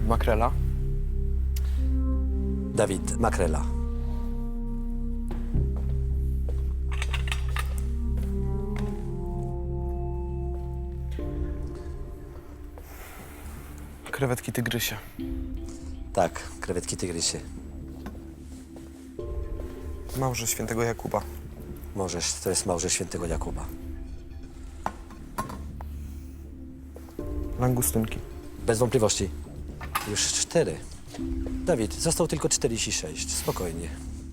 Makrela. Dawid, makrela. Krewetki tygrysie. Tak, krewetki tygrysy. Małże świętego Jakuba. Możesz, to jest małże świętego Jakuba. Langustynki. Bez wątpliwości. Już 4. Dawid, został tylko 46. Spokojnie.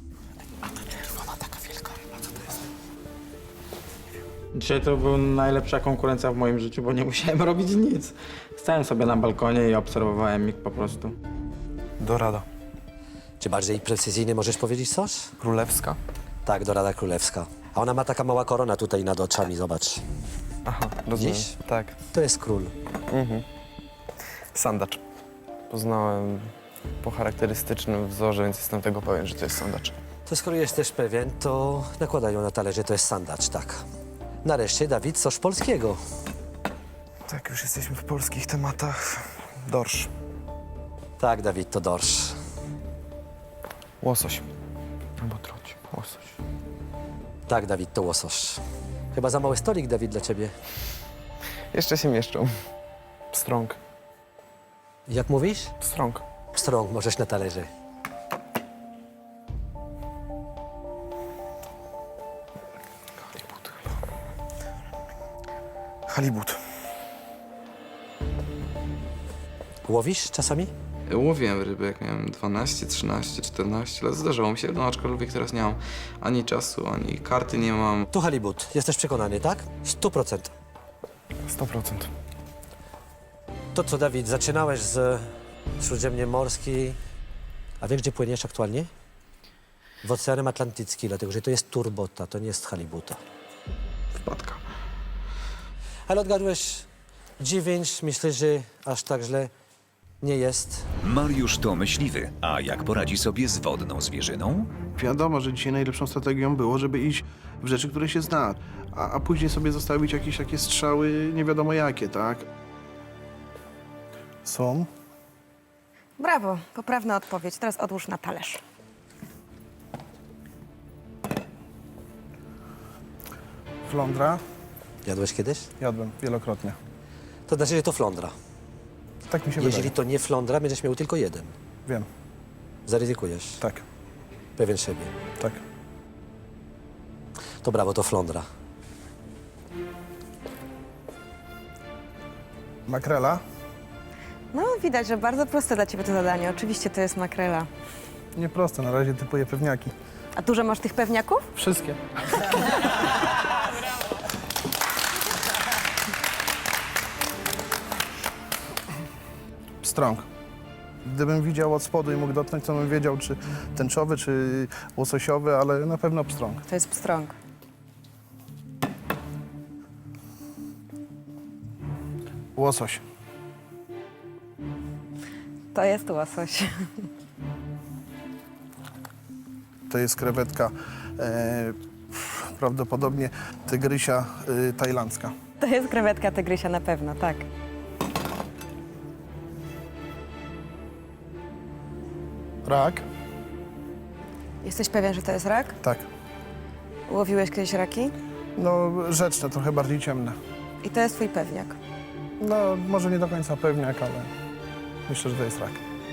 Dzisiaj to była najlepsza konkurencja w moim życiu, bo nie musiałem robić nic. Stałem sobie na balkonie i obserwowałem ich po prostu. Dorada. Czy bardziej precyzyjnie możesz powiedzieć coś? Królewska. Tak, dorada królewska. A ona ma taka mała korona tutaj nad oczami, zobacz. Aha, rozumiem. Dziś? Tak. To jest król. Sandacz. Poznałem po charakterystycznym wzorze, więc jestem tego pewien, że to jest sandacz. To skoro jesteś pewien, to nakładają na talerze, to jest sandacz, tak. Nareszcie, Dawid, coś polskiego. Tak, już jesteśmy w polskich tematach. Dorsz. Tak, Dawid, to dorsz. Łosoś. Albo troć. Łosoś. Tak, Dawid, to łosoś. Chyba za mały stolik, Dawid, dla ciebie. Jeszcze się mieszczą. Pstrąg. Jak mówisz? Pstrąg. Strąg możesz na talerze. Halibut chyba. Halibut. Łowisz czasami? Łowiłem ryby, jak miałem 12, 13, 14 lat. Zdarzało mi się, no aczkolwiek teraz nie mam ani czasu, ani karty nie mam. Tu halibut. Jesteś przekonany, tak? 100%. 100%. To co, Dawid, zaczynałeś z Śródziemnomorskiej, a wiesz, gdzie płyniesz aktualnie? W Oceanem Atlantyckim, dlatego że to jest turbota, to nie jest halibuta. Wpadka. Ale odgadłeś 9, myślę, że aż tak źle nie jest. Mariusz to myśliwy, a jak poradzi sobie z wodną zwierzyną? Wiadomo, że dzisiaj najlepszą strategią było, żeby iść w rzeczy, które się zna, a później sobie zostawić jakieś takie strzały nie wiadomo jakie, tak? Są. Brawo, poprawna odpowiedź. Teraz odłóż na talerz. Flądra. Jadłeś kiedyś? Jadłem wielokrotnie. To znaczy, że to flądra. Tak mi się Jeżeli wydaje. to nie flądra, będziesz miał tylko jeden. Wiem. Zaryzykujesz. Tak, Pewien siebie. tak. To brawo, to flądra. Makrela. No, widać, że bardzo proste dla ciebie to zadanie. Oczywiście to jest makrela. Nieproste, na razie typuję pewniaki. A dużo masz tych pewniaków? Wszystkie. Pstrąg. Gdybym widział od spodu i mógł dotknąć, to bym wiedział, czy tęczowy, czy łososiowy, ale na pewno pstrąg. To jest pstrąg. Łosoś. To jest łosoś. To jest krewetka prawdopodobnie tygrysia tajlandzka. To jest krewetka tygrysia na pewno, tak. Rak. Jesteś pewien, że to jest rak? Tak. Łowiłeś kiedyś raki? No rzeczne, trochę bardziej ciemne. I to jest twój pewniak. No może nie do końca pewniak, ale myślę, że to jest rak.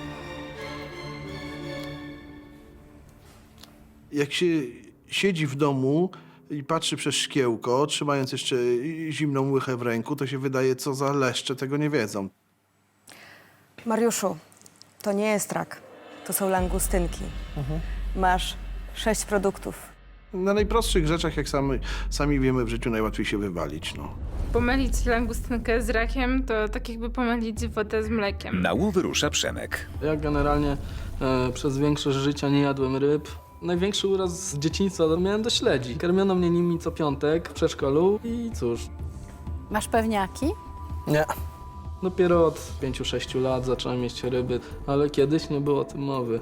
Jak się siedzi w domu i patrzy przez szkiełko, trzymając jeszcze zimną łychę w ręku, to się wydaje, co za leszcze tego nie wiedzą. Mariuszu, to nie jest rak. To są langustynki. Masz 6 produktów. Na najprostszych rzeczach, jak sami wiemy, w życiu najłatwiej się wywalić. No. Pomylić langustynkę z rakiem to tak jakby pomylić wodę z mlekiem. Na łowy rusza Przemek. Ja generalnie przez większość życia nie jadłem ryb. Największy uraz z dzieciństwa miałem do śledzi. Karmiono mnie nimi co piątek w przedszkolu i cóż, Masz pewniaki? nie. Dopiero od 5-6 lat zacząłem jeść ryby, ale kiedyś nie było o tym mowy.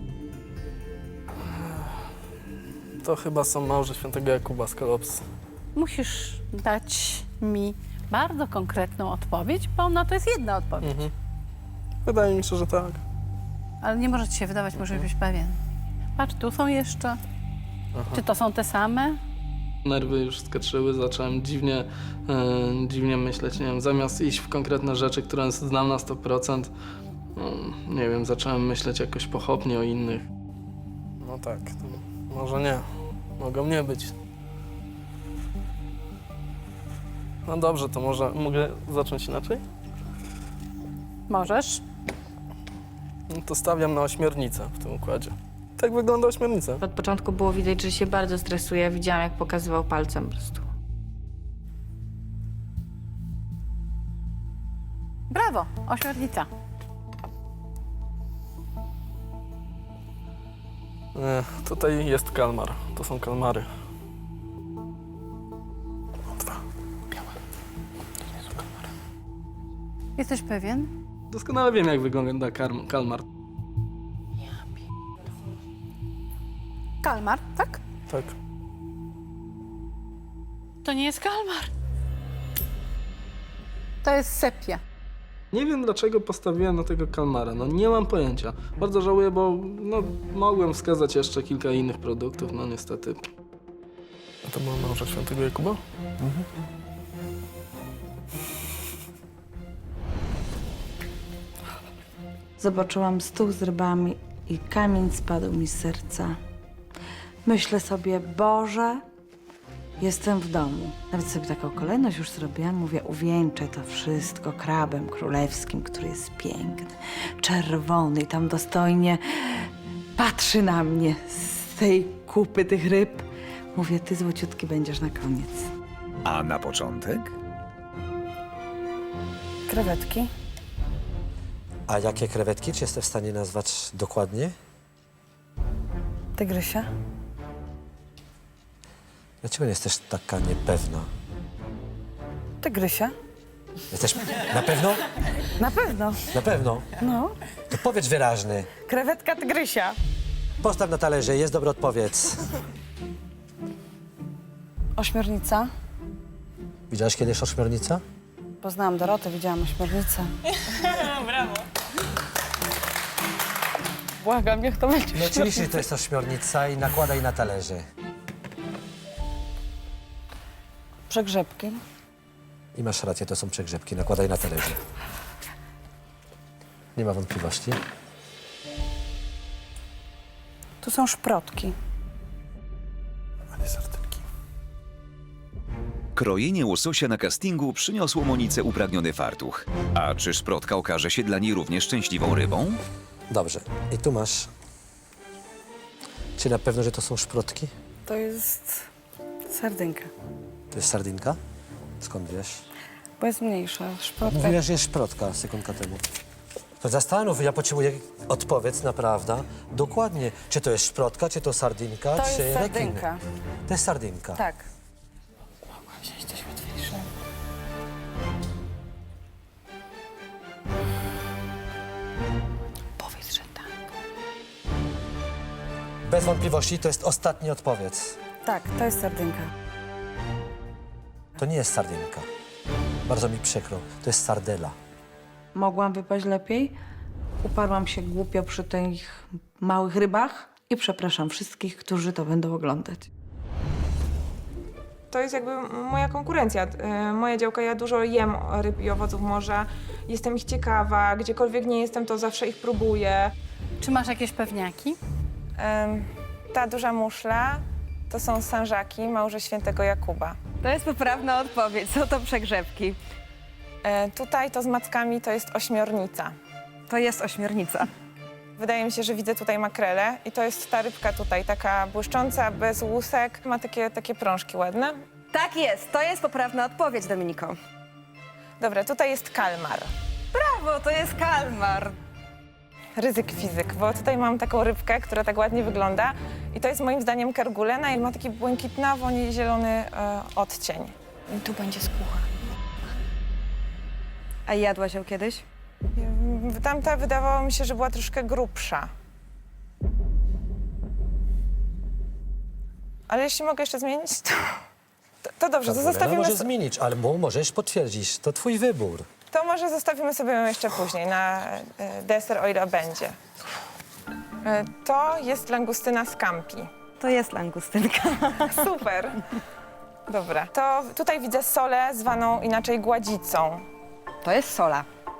To chyba są małże świętego Jakuba z Kolopsy. Musisz dać mi bardzo konkretną odpowiedź, bo na to jest jedna odpowiedź. Wydaje mi się, że tak. Ale nie może ci się wydawać, może być pewien. Patrz, tu są jeszcze. Czy to są te same? Nerwy już skaczyły, zacząłem dziwnie myśleć, nie wiem, zamiast iść w konkretne rzeczy, które znam na 100%, nie wiem, zacząłem myśleć jakoś pochopnie o innych. No tak, to może nie, mogą nie być. No dobrze, to może mogę zacząć inaczej? Możesz. No to stawiam na ośmiornicę w tym układzie. Tak wygląda ośmiornica. Od początku było widać, że się bardzo stresuje. Widziałam, jak pokazywał palcem po prostu. Brawo, ośmiornica. Tutaj jest kalmar, to są kalmary. Jesteś pewien? Doskonale wiem, jak wygląda kalmar. Kalmar, tak? Tak. To nie jest kalmar. To jest sepia. Nie wiem, dlaczego postawiłem na tego kalmara. No nie mam pojęcia. Bardzo żałuję, bo no, mogłem wskazać jeszcze kilka innych produktów, no niestety. A to była małża świętego Jakuba? Zobaczyłam stół z rybami i kamień spadł mi z serca. Myślę sobie, Boże, jestem w domu. Nawet sobie taką kolejność już zrobiłam. Mówię, uwieńczę to wszystko krabem królewskim, który jest piękny, czerwony i tam dostojnie patrzy na mnie z tej kupy tych ryb. Mówię, ty złociutki będziesz na koniec. A na początek? Krewetki. A jakie krewetki? Czy jesteś w stanie nazwać dokładnie? Tygrysia. Dlaczego jesteś taka niepewna? Tygrysia. Jesteś na pewno? Na pewno. Na pewno? No. To powiedz wyraźny. Krewetka tygrysia. Postaw na talerze, jest dobra odpowiedź. Ośmiornica. Widziałaś kiedyś ośmiornica? Poznałam Dorotę, widziałam ośmiornicę. Brawo. Błagam, niech to będzie. No oczywiście to jest ośmiornica i nakładaj na talerze. Przegrzebki. I masz rację, to są przegrzebki, nakładaj na talerze. Nie ma wątpliwości. Tu są szprotki. Krojenie łososia na castingu przyniosło Monice upragniony fartuch. A czy szprotka okaże się dla niej również szczęśliwą rybą? Dobrze. I tu masz... Czy na pewno, że to są szprotki? To jest sardynka, To jest sardynka? Skąd wiesz? bo jest mniejsza. Szprotka. Mówiłaś, że jest szprotka sekundka temu. To zastanów, ja potrzebuję odpowiedź naprawdę. Dokładnie, czy to jest szprotka, czy to sardynka, To czy jest rekin. sardynka. To jest sardynka. Tak. Powiedz, że tak. Bez wątpliwości to jest ostatnia odpowiedź. Tak, to jest sardynka. To nie jest sardynka. Bardzo mi przykro. To jest sardela. Mogłam wypaść lepiej. Uparłam się głupio przy tych małych rybach i przepraszam wszystkich, którzy to będą oglądać. To jest jakby moja konkurencja. Moja działka, ja dużo jem ryb i owoców morza. Jestem ich ciekawa. Gdziekolwiek nie jestem, to zawsze ich próbuję. Czy masz jakieś pewniaki? Ta duża muszla to są sanżaki, małże świętego Jakuba. To jest poprawna odpowiedź. Są to przegrzebki. Tutaj to z mackami to jest ośmiornica. To jest ośmiornica. Wydaje mi się, że widzę tutaj makrelę i to jest ta rybka tutaj, taka błyszcząca, bez łusek. Ma takie prążki ładne. Tak jest. To jest poprawna odpowiedź, Dominiko. Dobra, tutaj jest kalmar. Brawo, to jest kalmar. Ryzyk fizyk, bo tutaj mam taką rybkę, która tak ładnie wygląda i to jest moim zdaniem kergulena i ma taki błękitnawo-zielony odcień. I tu będzie skóra. A jadłaś ją kiedyś? Tamta wydawało mi się, że była troszkę grubsza. Ale jeśli mogę jeszcze zmienić, to dobrze, to Karolina zostawimy... może zmienić, ale możesz potwierdzić. To twój wybór. To może zostawimy sobie ją jeszcze później, na deser, o ile będzie. To jest langustyna scampi. To jest langustynka. Super. Dobra. To tutaj widzę solę zwaną inaczej gładzicą. To jest sola.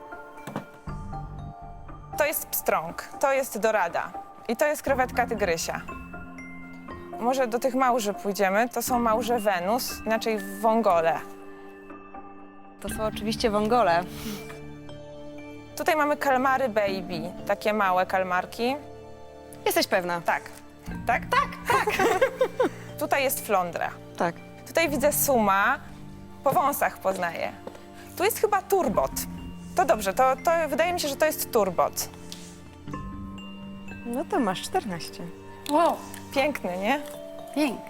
To jest pstrąg, to jest dorada i to jest krewetka tygrysia. Może do tych małży pójdziemy. To są małże Wenus, inaczej wągole. To są oczywiście wągole. Tutaj mamy kalmary baby, takie małe kalmarki. Jesteś pewna? Tak. Tak? Tak, tak. Tutaj jest flądra. Tak. Tutaj widzę suma, po wąsach poznaję. Tu jest chyba turbot. To dobrze, to wydaje mi się, że to jest turbot. No to masz 14. Wow, Piękny, nie? pięknie.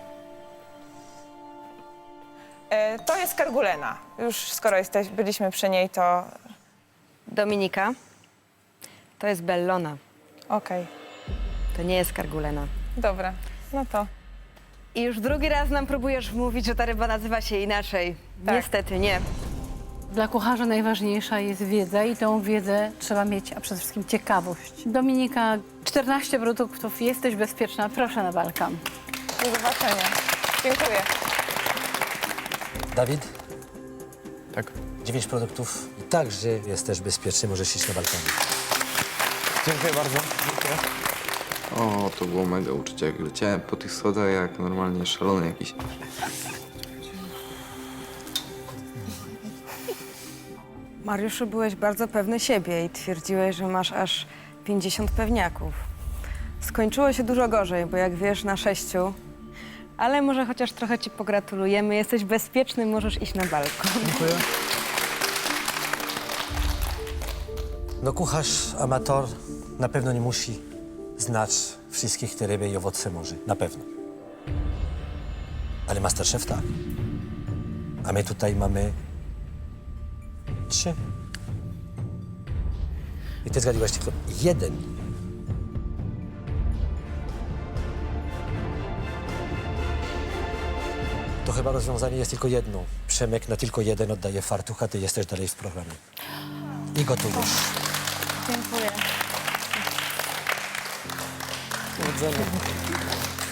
To jest kargulena. Już skoro byliśmy przy niej, to Dominika. To jest bellona. okej. To nie jest kargulena. Dobra, no to I już drugi raz nam próbujesz wmówić, że ta ryba nazywa się inaczej. Tak. Niestety nie. Dla kucharza najważniejsza jest wiedza i tą wiedzę trzeba mieć, a przede wszystkim ciekawość. Dominika, 14 produktów, jesteś bezpieczna, proszę na balkan. do zobaczenia. Dziękuję. Dawid, Tak. 9 produktów i także jesteś bezpieczny, możesz iść na balkonie. Dziękuję bardzo. O, to było mega uczucie, jak leciałem po tych schodach jak normalnie szalony jakiś. Mariuszu, byłeś bardzo pewny siebie i twierdziłeś, że masz aż 50 pewniaków. Skończyło się dużo gorzej, bo jak wiesz, na 6. Ale może chociaż trochę ci pogratulujemy. Jesteś bezpieczny, możesz iść na balkon. No kucharz, amator na pewno nie musi znać wszystkich te ryby i owoce morza, na pewno. Ale Masterchef tak. A my tutaj mamy 3. I ty zgadłaś tylko 1. To chyba rozwiązanie jest tylko jedno. Przemek na tylko 1 oddaje fartuch, a ty jesteś dalej w programie. I gotujesz. Dziękuję. Powodzenia.